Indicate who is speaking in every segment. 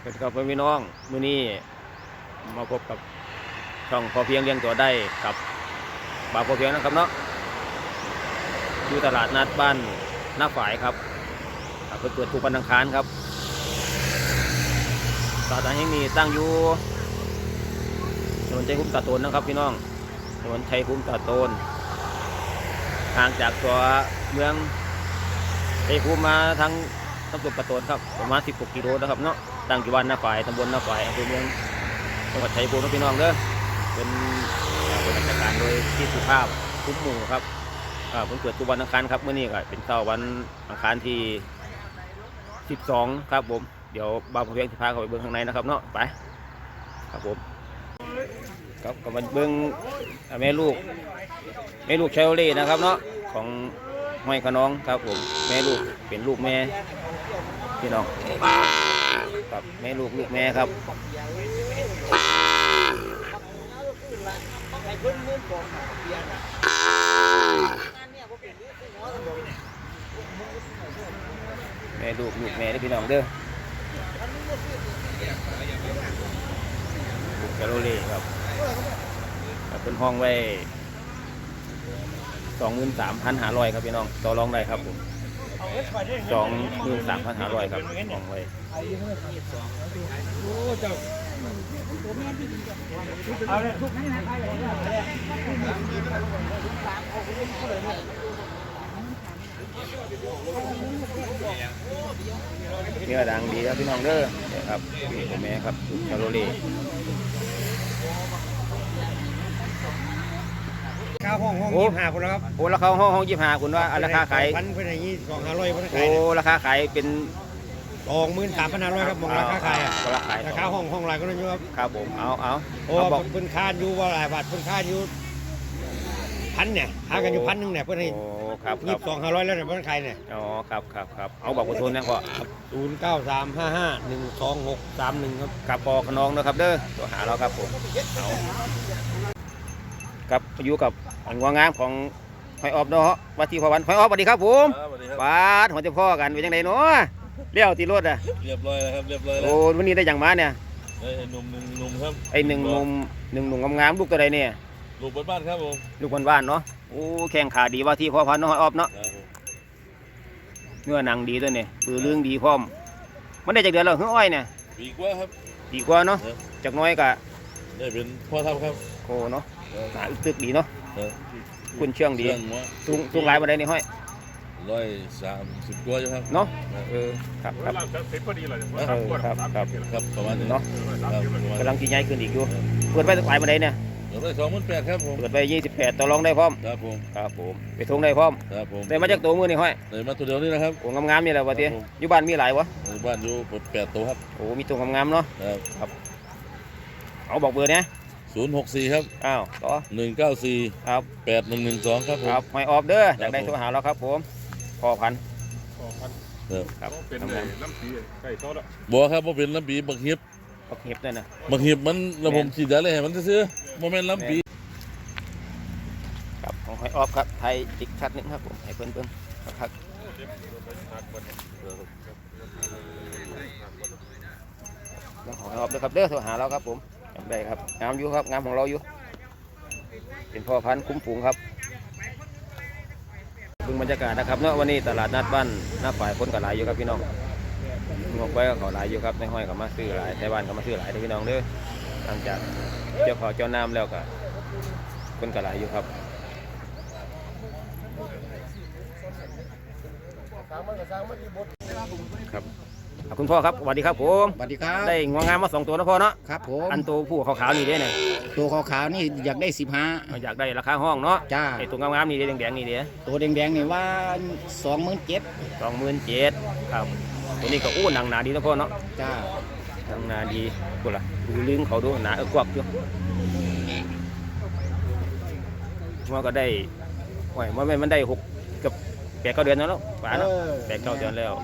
Speaker 1: สวัสดีครับพี่น้องมื้อนี้มาพบกับช่องพอเพียงเลี้ยงตัวได้กับบ่าวพอเพียงนะครับเนาะอยู่ตลาดนัดบ้านหน้าฝ่ายครับเปิดทุกวันอังคารครับตลาดแห่งนี้ตั้งอยู่ถนนชัยภูมิตาโตนนะครับพี่น้องถนนชัยภูมิตาโตนห่างจากตัวเมืองชัยภูมิมาทางตำบลตาโตนครับประมาณ16 กิโลนะครับเนาะตั้งอยู่บ้านหน้าฝ่ายตำบลหน้าฝ่ายอำเภอเมืองจังหวัดชัยภูมิพี่น้องเด้อเป็นราชการโดยที่สุภาพคุ้มหมู่ครับผมเกิดทุกวันอังคารครับเมื่อนี้ก็เป็นเช้าวันอังคารที่12ครับผมเดี๋ยวบ่าวพอเพียงจะพาเข้าไปเบื้องข้างในนะครับเนาะไปครับผมครับก็มาเบื้องแม่ลูกเชลลี่นะครับเนาะของห้อยขน้องครับผมแม่ลูกเป็นลูกแม่พี่น้องครับแม่ลูกแม่ครับแม่ลูกแม่ได้พี่น้องเด้อลูกแคโรเล่ครับเป็นห้องไว้ 23,500 ครับพี่น้องต่อรองได้ครับผม 23,500 ครับห้องไว้เนื้อดังดีครับพี่น้องเด้อเนี่ยครับผมแม่ครับชาโรเล่
Speaker 2: ข้าวห้อง25คนแล้วครับ
Speaker 1: โอ้ราคาห้อง25คุณว่าราคาขาย
Speaker 2: พันเพื่อนอย่างนี้2,500เพื่อนขาย
Speaker 1: โอ้ราคาขายเป็น
Speaker 2: 23,500ครับมองราคาขายราคาห้องไรก็นั่นอยู่ครับ
Speaker 1: ครับผมเอา
Speaker 2: โอ้บอกเพื่อนคาดอยู่ว่าหลายบาทเพื่อนคาดอยู่พันเนี่ยหากันอยู่1,000เนี่ยเพื่อนให้
Speaker 1: ครับ
Speaker 2: 22,500แล้วเนี่ยเพื่อนขายเนี่ย
Speaker 1: อ๋อครับเอาบอกคนทุนนะพ่อ
Speaker 2: 0935512631ครับ
Speaker 1: กับปอขนองนะครับเด้อตัวหาเราครับผมเอากับอยู่กับอันงงามของหอยออบเนาะวัดที่พอวันหอยออบสวัสดีครับผมบาดหัวจะพ่อกันเป็นยังไงเนาะเลี้ยวตีรถอ่ะ
Speaker 3: เรียบร้อยแล้วครับเรียบร้อยแล้ว
Speaker 1: โอ้วันนี้ได้อย่างมาเนี่ย
Speaker 3: ไอ้หนุ่มครับ
Speaker 1: ไอ้หนึ่งหนุ่มงามลูกตัวใดเนี่ย
Speaker 3: ลูกบ้านครับผม
Speaker 1: ลูกบ้านเนาะโอ้แข้งขาดีว่าที่พ่อพันน้อยออบเนาะเนื้อหนังดีตัวเนี่ยปือเรื่องดีพร้อมมันได้จากเดือนแล้วเฮ้ยอ้อยเนี่ย
Speaker 3: ปีกว่าครับ
Speaker 1: ดีกว่าเนาะจากน้อยกะ
Speaker 3: ได้เป็นพ่อทำครับ
Speaker 1: โอ้เนาะหนาตึกดีเนาะคุณเชื่องดีสูงหลายมาได้นี่ห้อย
Speaker 3: 130กว่าอยู่ครับ
Speaker 1: เนาะครับ
Speaker 3: ประมาณนี้
Speaker 1: เนาะกำลังจีใหญ่ขึ้นอีกอยู่เปิดไว้หลายมาได้เนี่ย
Speaker 3: เปิดไว้28,000ครับผม
Speaker 1: เปิดไว้28ต่อรองได้พร้อมครับผมไปทงได้พร้อมได้มาจากตัวมือนี่ห้อย
Speaker 3: ได้มาตัวเดียวนี่นะครับ
Speaker 1: โอ้งามๆนี่แหละวะเตี้ยอยู่บ้านมีหลายวะ
Speaker 3: บ้านอยู่8ตัวครับ
Speaker 1: โอ้มีตัวงามๆเนาะครับเอาบอกเบอร์เนี่ย
Speaker 3: 064ครับ
Speaker 1: ต่อ
Speaker 3: 194
Speaker 1: ครับ
Speaker 3: 8112ครับผม
Speaker 1: ครับหอยออบเด้ออยากได้โทรหาเราครับผมพ่อพัน
Speaker 3: ครับ
Speaker 4: เป็นน้ำปีไก่ทอดอ่ะ
Speaker 3: บ่ครับบ่เป็นลำปีบักเห็บ
Speaker 1: นั่นนะ
Speaker 3: บักเห็บมันระบบฉีดยาเลยให้มันซื่อๆบ่แม่นลำปี
Speaker 1: ครับของหอยออบครับไทยอีกชัดนึงครับผมให้เพิ่นครับหอยออบเด้อครับเด้อโทรหาเราครับผมได้ครับงามอยู่ครับงามของเราอยู่เป็นพ่อพันธุ์คุ้มฝูงครับดูบรรยากาศนะครับเนาะวันนี้ตลาดนัดบ้านหน้าฝ่ายคนกับหลายอยู่ครับพี่น้องงอกไว้ก็เขาหลายอยู่ครับในห้อยกับมาซื้อหลายในบ้านกับมาซื้อหลายพี่น้องเด้อหลังจากเจ้าขอเจ้าน้ำแล้วก็คนกับหลายอยู่ครับครับคุณพ่อครับสวัสดีครับผม
Speaker 2: สวัสดีครับ
Speaker 1: ได้งวงงามมา2 ตัวนะพ่อเนาะ
Speaker 2: ครับผม
Speaker 1: อันตัวผู้ขาวๆนี่เด้เนี่ย
Speaker 2: ตัวขาวๆนี่อยากได้15
Speaker 1: อยากได้ราคาห้องเนาะ
Speaker 2: จ้า
Speaker 1: ไอตัวงามๆนี่แดงๆนี่เด้
Speaker 2: ตัวแดงๆนี่ว่า
Speaker 1: 27,000ครับตัวนี้ก็อู้หนังหนาดีนะพ่อเนาะ
Speaker 2: จ้า
Speaker 1: หนังหนาดีกูล่ะดูลึงเขาดูหนากวักอยู่มันก็ได้โอ้ยมันได้6กับ8-9 เดือนแล้วเนาะป่าเนาะ8-9 เดือนแล้ว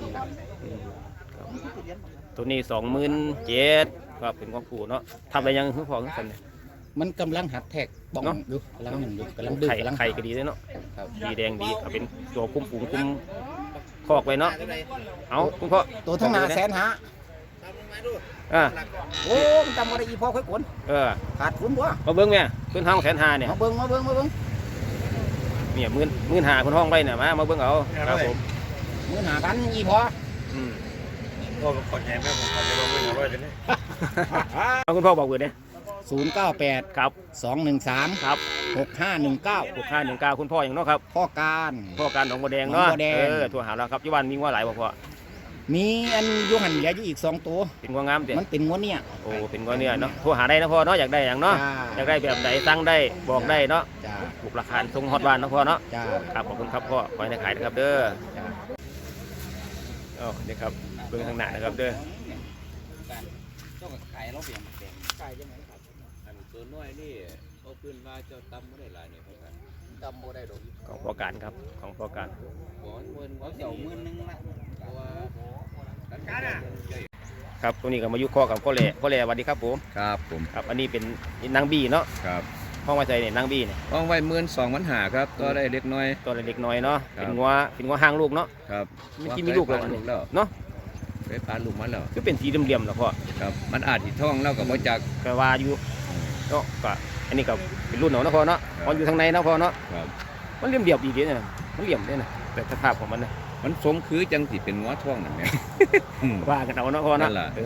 Speaker 1: ตัวนี้27,000ครับเป็นของผู้เนาะทำอะไรยังคือพอกัน
Speaker 2: มันกำลังหัดแทกบ้องอยู่กำลังดื้อกำลัง
Speaker 1: ไข่ก็ดีเลยเนาะดีแดงดีเป็นตัวคุ้มฝูงคุ้มคอกไว้เนาะเอาคุณพ่อ
Speaker 2: ตัวทั้งหน้า150,000
Speaker 5: โอ้มันจำบ่ได้อีพอค่อยขนขาดทุนบ่
Speaker 1: มาเบิ้งเนี่ยขึ้นห้อง150,000เนี่ย
Speaker 5: มาเบิ่ง
Speaker 1: เนี่ย15,000คุณห้องไปเนี่ยมาเบิ้งเอาครับผม
Speaker 5: มื้อหากันอีพอ
Speaker 2: ก็ขอแทนแม่ผมขอจะลงไป100กันนี่
Speaker 1: เอาคุณพ่อบอกเบอร์เนี่ย
Speaker 5: 098
Speaker 1: ครับ
Speaker 5: 213
Speaker 1: ครับ
Speaker 5: 6519
Speaker 1: 6519คุณพ่ออย่างเนาะครับ
Speaker 5: พ่อการ
Speaker 1: พ่อการหนองบัวแดงเนาะ
Speaker 5: หนองบัวแดง
Speaker 1: โทรหาเราครับที่บ้านมีว่าหลายบ่พ่อ
Speaker 5: มีอันอยู่หันเหลืออยู่อีก2ตัว
Speaker 1: เป็นงัวงามเด้
Speaker 5: มันเป็นงัวเนี่ย
Speaker 1: โอ้เป็นงัวเนี่ยเนาะโทรหาได้นะพ่อเนาะอยากได้อย่างเนาะอยากได้แบบไหนสั่งได้บอกได้เนาะ
Speaker 5: จ้า
Speaker 1: ถูกราคาส่งฮอตบ้านนะพ่อเนาะ
Speaker 5: จ้า
Speaker 1: ครับขอบคุณครับพ่อขอให้ได้ขายนะครับเด้ออ๋อนี่ครับเบื้องทางหน้านะครับเด้อ
Speaker 5: ต้องขายเราเปลี่ยนขายยังไงครับ
Speaker 6: อันตัวน้อยนี่เอาขึ้นมาเจ้าตำไม่ได้หลายเนี่ยครับ
Speaker 5: จำบ่ได้ดอก
Speaker 1: ของพ่อการครับของพ่อการ
Speaker 6: ขอเงิน
Speaker 5: เขาเจ้า10,000นึงละ
Speaker 6: เพราะว่าการใหญ่
Speaker 1: ครับตัวนี้ก็มายุคอกับพ่อแหล่สวัสดีครับผม
Speaker 6: ครับผม
Speaker 1: ครับอันนี้เป็นนางบี้เนาะ
Speaker 6: ครับ
Speaker 1: ห้องไว้ใจเนี่ยนางบี้เนี่ย
Speaker 6: ห้องไว้12,500ครับก็ได้เล็กน้อย
Speaker 1: ตัวเล็กน้อยเนาะ
Speaker 6: ครับ
Speaker 1: เป็นงัวห้างลูกเนาะ
Speaker 6: ครับ
Speaker 1: เมื่อกี้มีลูกแล้วอันนี้
Speaker 6: แล้ว
Speaker 1: เนาะ
Speaker 6: ไปปลาลูกมันแล้ว
Speaker 1: คือเป็นสีเหลี่ยมๆแล้วพ่อ
Speaker 6: ครับมันอาจที่ท้องแล้วกับบ่จัก
Speaker 1: ก็ว่าอยู่เนาะก็อันนี้ก็เป็นรุ่นเนาะพ่อเนาะมันอยู่ทางในเนาะพ่อเนาะ
Speaker 6: ครับ
Speaker 1: มันเหลี่ยมๆดีเด้เนี่ยมันเหลี่ยมเด้นะแต่สภาพของมันนะ
Speaker 6: มันสมคือจังสิเป็นงัวท้องนั่นแหละ
Speaker 1: ว่ากันเอาเนาะพ่อเนาะ
Speaker 6: นั่นล่ะ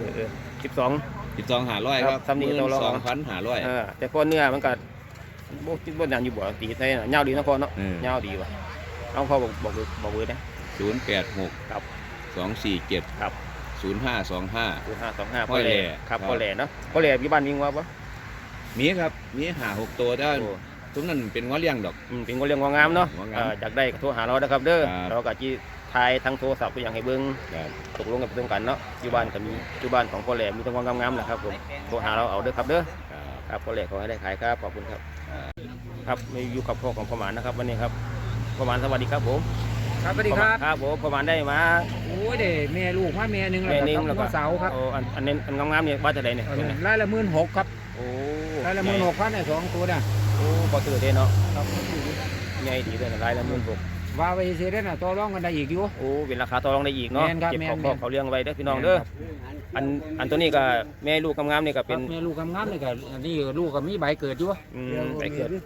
Speaker 1: 12
Speaker 6: 12,500ครับ
Speaker 1: ซ้ำนี่ตัวละ
Speaker 6: 12,500
Speaker 1: แต่พอเนื้อมันก็บ่คิดว่าอย่างอยู่บ่ตีใส่น่ะยาวดีนะพ่อเนาะ
Speaker 6: อืม
Speaker 1: ยาวดีว่ะเอาพ่อบอกเบอร์นะ
Speaker 6: 086
Speaker 1: ครับ
Speaker 6: 247
Speaker 1: ครับ
Speaker 6: 0525
Speaker 1: 0525
Speaker 6: พ่อแหล่
Speaker 1: ครับพ่อแหล่เนาะพ่อแหล่อยู่บ้านมีงัวบ่
Speaker 6: มีครับมี5-6ตัวได้
Speaker 1: โอ้
Speaker 6: ทุกนั้นเป็นงัวเลี้ยงดอก
Speaker 1: เป็นงัวเลี้ยงงัวงามเนาะ
Speaker 6: งัวงาม
Speaker 1: อยากได้ก็โทรหาเราเด้อครับเด้อ
Speaker 6: ครับ
Speaker 1: เราก็สิถ่ายทางโทรศัพท์ไปอย่างให้เบิ่ง
Speaker 6: ครับ
Speaker 1: ตกลงกันตรงกันเนาะอยู่บ้านก็มีอยู่บ้านของพ่อแหล่มีแต่งัวงามๆแหละครับผมโทรหาเราเอาเด้อครับเด้อ
Speaker 6: ครับ
Speaker 1: ครับพ่อแหล่ขอให้ได้ขายครับขอบคุณครับครับมาอยู่กับพ่อของพ่อหมานนะครับวันนี้ครับพ่อหมานสวัสดีครับผม
Speaker 5: ครับสวัสดีครับ
Speaker 1: ครับผมพ่อหมานได้มา
Speaker 5: โอ้ยเด้แม่ลูกมาแม่หนึง
Speaker 1: แม่นิ่งแล้วก็
Speaker 5: เสาครับ
Speaker 1: โอ้อันนี้อันงามๆเนี่ยว่าจะได้เนี่ย
Speaker 5: รายละ16,000ครับ
Speaker 1: โอ้
Speaker 5: รายละ16,000เนี่ย2ตัวน่ะ
Speaker 1: โอ้พอซื้อได้เนาะ
Speaker 5: ครับ
Speaker 1: ใหญ่ดีเลยนะรายละ16,000
Speaker 5: ว่าไว้ซื่อๆเด้อน่ะต่อรองกันได้อีกอยู่
Speaker 1: โอ้เป็นราคาต่อรองได้อีกเนาะ
Speaker 5: แม่นครับ
Speaker 1: เก็บ
Speaker 5: แม่น
Speaker 1: ของ
Speaker 5: แม่น
Speaker 1: เขาเลี้ยงไว้เด้อพี่น้องเด้ออันตัวนี้ก็แม่ลูกงามๆนี่ก็
Speaker 5: เป็
Speaker 1: เป็น น
Speaker 5: แม่ลูกงามๆนี่ก็อันนี้ลูกก็มีใบเกิดอยู่
Speaker 1: ไปเกิด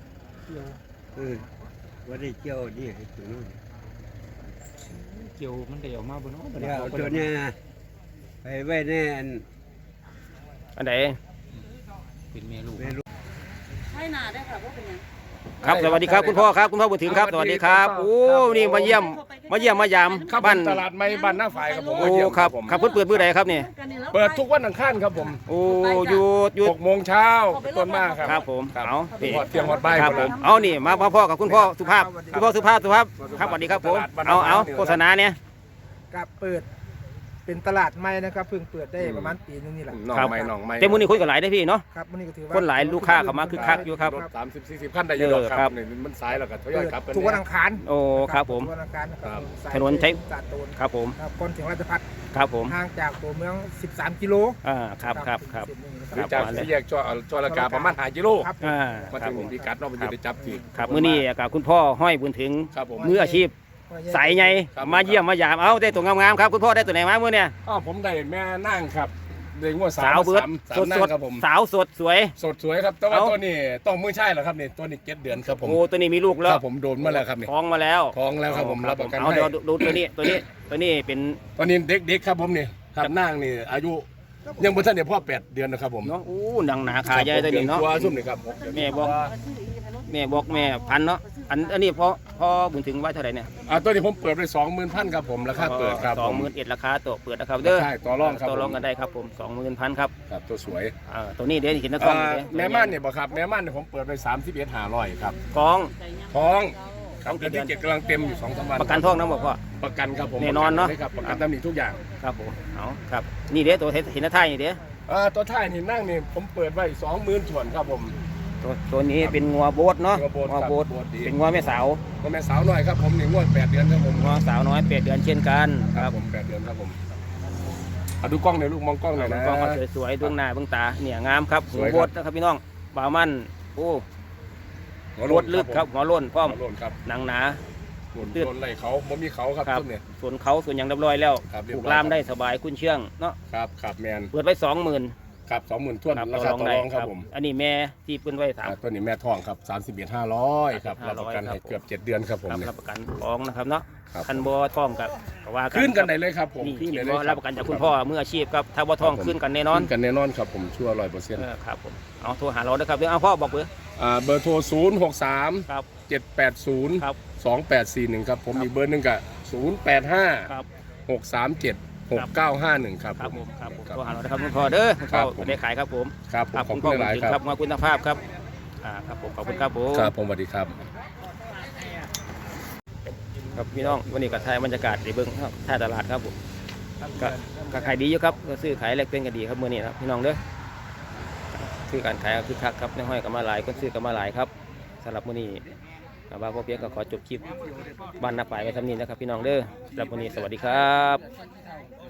Speaker 2: ว่าได้เกี่ยวนี่ให้ตัวนู้น
Speaker 5: เกี่ยวมันได้ออกมาบ่เนาะบ่
Speaker 2: เดี๋
Speaker 5: ได้
Speaker 2: ยว
Speaker 5: เอา
Speaker 2: เอา
Speaker 5: ไป
Speaker 2: ตัวเนี้ยไปไว้ในอัน
Speaker 1: อันไหน
Speaker 5: เป็นแม่ลูก
Speaker 7: ให้หนาได้ค่ะว่าเป็นยัง
Speaker 1: ครับสวัสดีครับคุณพ่อครับคุณพ่อบุญถึงครับสวัสดีครับโอ้นี่มาเยี่ยมมายาม
Speaker 4: ครับ
Speaker 1: บ้าน
Speaker 4: ตลาดไม้บ้านหน้าฝ่ายครับผม
Speaker 1: โอ้
Speaker 4: มาเยี่ยม
Speaker 1: ครับ
Speaker 4: ผม
Speaker 1: ครับเพิ่นเปิดมื้อใดครับเนี่ย
Speaker 4: เปิดทุกวันอังคารครับผม
Speaker 1: โอ้อยู่
Speaker 4: 6 โมงเช้าต้นมากครับ
Speaker 1: ครับผมเอานี่
Speaker 4: หอดเตียงหอดใบาย
Speaker 1: ครับ
Speaker 4: หมด
Speaker 1: ผ
Speaker 4: แล้
Speaker 1: ม
Speaker 4: ว
Speaker 1: เอานี่มาพ่อกับคุณพ่อสุภาพคุณพ่อสุภาพครับสวัสดีครับผมเอาโฆษณาเนี่ย
Speaker 8: กับเปิดเป็นตลาดใหม่นะครับเพิ่งเปิดได้ประมาณปีนึงนี่แหละ
Speaker 4: หน่อง
Speaker 1: ครับ
Speaker 4: ไม้หน่องไม้
Speaker 1: เต็มมื้อนี้คนก็หลายได้อพี่เนาะ
Speaker 8: ครับวันนี้ก็ถือว่า
Speaker 1: คนหลายลูกค้าเข้ามาคึกคักอยู่ครับ
Speaker 4: รถ30-40คันได้อยู่ดอกค
Speaker 1: ครั
Speaker 4: รับ บนี่มันสายแล้วก็ทยอยกลับกัน
Speaker 8: ทุกวันอังคาร
Speaker 1: โอ้ครับผม
Speaker 8: ทุกวันอังคารนะค
Speaker 4: ครั
Speaker 8: รับบ สาย
Speaker 1: ถนนใช้
Speaker 8: ตาดโตน
Speaker 1: ครับผม
Speaker 8: ครับก่อนถึงราชพัฒน์
Speaker 1: ครับผม
Speaker 8: ห่างจากตัวเมือง13กิโล
Speaker 1: ครับครับครับ
Speaker 8: ถึงเส้นนี้นะ
Speaker 4: หรือจากสี่แยกจอระกาประมาณ5กิโล
Speaker 8: ครับ
Speaker 4: มา
Speaker 1: ครั
Speaker 4: ถึ
Speaker 1: บ
Speaker 4: ง
Speaker 1: ผม
Speaker 4: พิกัดเนาะมันจะได้จับที่
Speaker 1: ครับมื้อนี้กับคุณพ่อห้อยบุญถึง
Speaker 4: ครับผม
Speaker 1: มืออาชีพสายใหญ่
Speaker 4: ครับ
Speaker 1: มาเยี่ยมมายามเอาได้ตัวงามๆครับคุณพ่อได้ตัวไหนมามื้อเนี่ย
Speaker 4: อ๋อผมได้แม่นั่งครับได้งวด
Speaker 1: สาวเบิร์ด
Speaker 4: สา
Speaker 1: ส
Speaker 4: ม
Speaker 1: ด
Speaker 4: นั่
Speaker 1: ส
Speaker 4: ง
Speaker 1: ด
Speaker 4: ครับผม
Speaker 1: สาวสดสวย
Speaker 4: สดสวยครับแต่ว่า
Speaker 1: เอ้า
Speaker 4: ตัวนี้ต้องมือใช่เหรอครับนี่ตัวนี้7 เดือนครับผม
Speaker 1: โอ้ตัวนี้มีลูกแล้
Speaker 4: คว รับผมโดนมาแล้วครับนี่
Speaker 1: ท้องมาแล้ว
Speaker 4: ท้องแล้วครับผมรับประกัน
Speaker 1: เอา
Speaker 4: ให้
Speaker 1: เดี๋ยวดูตัวนี้เป็น
Speaker 4: ตอนนี้เด็กๆครับผมนี่ครับนั่งนี่อายุยังบ่ทันได้พ่อ8 เดือนนะครับผม
Speaker 1: เนาะอู้หนังหนาขาใหญ่ตัวนี้เนาะ
Speaker 4: ตัวซุ่มนี่ครับ
Speaker 1: แม่บอกแม่พันเนาะอันนี้พอบุญถึงไว้เท่าไหร่เนี่ย
Speaker 4: ตัวนี้ผมเปิดไป20,000ครับผมราคาเปิดครับผม
Speaker 1: 21,000ราคาตัวเปิดนะครับเด้อ
Speaker 4: ใช่ต่อรองครับ
Speaker 1: ต่อรองกันได้ครับผม21,000ครับ
Speaker 4: ครับตัวสวย
Speaker 1: ตัวนี้เดี๋ยวเห็นนะกล้องอยู่เด้
Speaker 4: แม่ม่านเนี่ยบ่ครับแม่ม่านเนี่ยผมเปิดไป31,500ครับ
Speaker 1: กล้อง
Speaker 4: ท้องครับเดือนที่7กำลังเต็มอยู่2-3วัน
Speaker 1: ประกันท้องนะบอกว่า
Speaker 4: ประกันครับผม
Speaker 1: แน่นอนเนาะ
Speaker 4: ครับประกันตำหนิทุกอย่าง
Speaker 1: ครับผมเอาครับนี่เด้อตัวเห็นหน้าท้ายนี่เด้อ
Speaker 4: ตัวท้ายนี่นั่งนี่ผมเปิดไว้20,000ส่วนครับผม
Speaker 1: ตัวนี้เป็นงัวโบดเนาะ
Speaker 4: งัวโบสถ์ครับ
Speaker 1: โบด
Speaker 4: โบสถ์ดี
Speaker 1: เป็นงัวแม่สาว
Speaker 4: ก็แม่สาวหน่อยครับผมนี่งวด8 เดือนครับผม
Speaker 1: งัวสาวน้อย8 เดือนเช่นกัน
Speaker 4: ครับผม8 เดือนครับผมเอาดูกล้องหน่อยลูกมองกล้องหน่อยนะ
Speaker 1: กล้องเขาสวยๆดวงหน้าดวงตาเนี่ยงามครับ
Speaker 4: ส
Speaker 1: หั
Speaker 4: ว
Speaker 1: วย
Speaker 4: ครับ
Speaker 1: โบดนะครับพี่น้องบ่าวมันโอ้
Speaker 4: หัว
Speaker 1: รวดลึกครับหัวโล้นพร้อม
Speaker 4: หัวโล้นครับ
Speaker 1: หนังหนาตื้น
Speaker 4: โดนไล่เขาบ่มีเขาครับ
Speaker 1: ครับ
Speaker 4: ต้นเนี่ย
Speaker 1: ส่วนเขาส่วนอย่างเรียบร้อยแล้ว
Speaker 4: ครับเรีย
Speaker 1: ป
Speaker 4: บ
Speaker 1: ลู
Speaker 4: ร้อย
Speaker 1: กลามได้สบายคุ้นเชื่องเนาะ
Speaker 4: ครับแมน
Speaker 1: เปิดไว้ 20,000
Speaker 4: ครับ20,000ท้วน
Speaker 1: ครับ
Speaker 4: ราคาต่อ
Speaker 1: ได้
Speaker 4: รองครับผม
Speaker 1: อันนี้แม่ที่เปิ้นไว้
Speaker 4: ตัวนี้แม่ทองครับ31,500ครับ
Speaker 1: 31,500
Speaker 4: รับประกันให้
Speaker 1: ครับ
Speaker 4: เกือบ7 เดือนครับผม
Speaker 1: ครับ
Speaker 4: เนี่ย
Speaker 1: รับประกันท้องนะครับเนาะ
Speaker 4: ครับ
Speaker 1: คันบ่ท้องกับว่า
Speaker 4: ขึ้นกันได้เลยครับผม
Speaker 1: นี่
Speaker 4: ขึ้น
Speaker 1: ที่
Speaker 4: ได้เล
Speaker 1: บ่
Speaker 4: ย
Speaker 1: รับประกันจากคุณพ่อมืออาชีพครับถ้าบ่ท้อง
Speaker 4: ครับผม
Speaker 1: ขึ้นกันแน่นอน
Speaker 4: ขึ้นกันแน่นอนครับผมชัวร์100%
Speaker 1: ครับผมเอาโทรหาเรานะครับเดี๋ยวเอาพ่อบอกเบอร์
Speaker 4: เบอร์โทร063
Speaker 1: ครับ
Speaker 4: 780
Speaker 1: ครับ
Speaker 4: 2841ครับผมอีกเบอร์หนึงก็085
Speaker 1: ครับ
Speaker 4: 637 6951ครับ
Speaker 1: ครับ
Speaker 4: ผ
Speaker 1: ผม มครับผม
Speaker 4: ครับ
Speaker 1: โทรหาเรานะครับคุณพ่อเด้อคุณ
Speaker 4: ครั
Speaker 1: พ่อบ
Speaker 4: ผม
Speaker 1: ได้ขายครับผม
Speaker 4: ครับผม
Speaker 1: ครับ
Speaker 4: ขอบ
Speaker 1: คุณ
Speaker 4: คุ
Speaker 1: พ่อ
Speaker 4: ณหลาย
Speaker 1: ถึง
Speaker 4: ๆค
Speaker 1: ค
Speaker 4: รั
Speaker 1: รั
Speaker 4: บบ
Speaker 1: มาคุณภาพครับครับผมขอบคุณครับผม
Speaker 4: ครับผมสวัสดีครับ
Speaker 1: ครับพี่น้องวันนี้ก็ถ่ายบรรยากาศในเบื้องท่าตลาดครับผมก็ขายดีอยู่ครับก็ซื้อขายแลกเปลี่ยนกันดีครับมื้อนี้นะครับพี่น้องเด้อซื้อการขายก็คือคักครับในห้อยก็มาหลายคนซื้อก็มาหลายครับสำหรับมื้อนี้บ่าวพ่อเพียงก็ขอจบคลิปบ้านนาป่ายไว้เท่านี้นะครับพี่น้องเด้อสำหรับมื้อนี้สวัสดีครับ